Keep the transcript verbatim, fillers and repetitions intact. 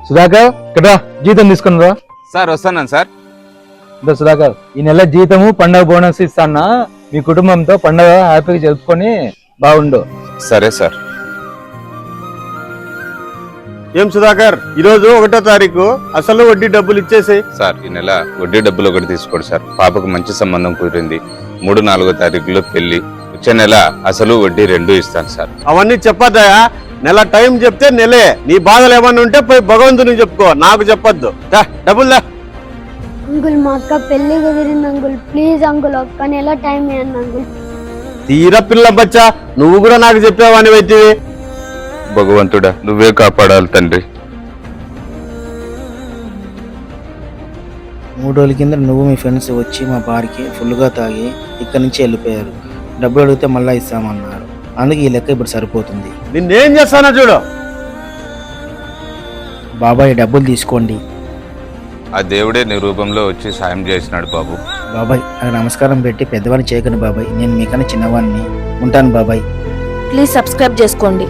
సుధాకర్ ఇక్కడ జీతం తీసుకుని రా. సార్ వస్తున్నాను సార్. ఇంత సుధాకర్ ఈ నెల జీతము పండగ బోనస్ ఇస్తానా, మీ కుటుంబంతో పండగ హ్యాపీగా జరుపుకొని బాగుండు. సరే సార్. ఏం సుధాకర్, ఈరోజు ఒకటో తారీఖు అసలు వడ్డీ డబ్బులు ఇచ్చేసి. సార్ ఈ నెల వడ్డీ డబ్బులు ఒకటి తీసుకోండి సార్. పాపకు మంచి సంబంధం కుదిరింది. మూడు నాలుగో తారీఖులో పెళ్లి. వచ్చే నెల అసలు వడ్డీ రెండు ఇస్తాను సార్. అవన్నీ చెప్పద్దా, నెల టైం చెప్తే నెలే. నీ బాధలు ఏమన్నా ఉంటే పోయి భగవంతుని చెప్పుకో, నాకు చెప్పొద్దు. డబ్బులు అంకుల్ మా అక్క పెళ్లి కుదిరింది అంకుల్, ప్లీజ్ అంకుల్ ఒక్క నెల టైం ఇవ్వండి అంకుల్. తీరా పిల్ల బచ్చా, నువ్వు కూడా నాకు చెప్పావని అయితే. భగవంతుడా నువ్వే కాపాడాలి తండ్రి. మూడు రోజుల కింద నువ్వు మీ ఫ్రెండ్స్ వచ్చి మా బార్కి ఫుల్గా తాగి ఇక్కడి నుంచి వెళ్ళిపోయారు. డబ్బులు అడిగితే మళ్ళీ ఇస్తామన్నారు. అందుకే ఈ లెక్క ఇప్పుడు సరిపోతుంది. నిన్నేం చేస్తానో చూడు. బాబాయ్ డబ్బులు తీసుకోండి. ఆ దేవుడే నీ రూపంలో వచ్చి సాయం చేసినాడు బాబు. బాబాయ్ నాకు నమస్కారం పెట్టి పెద్దవాడిని చేయకండి బాబాయ్, నేను మీకన్నా చిన్నవాడిని. ఉంటాను బాబాయ్. ప్లీజ్ సబ్స్క్రైబ్ చేసుకోండి.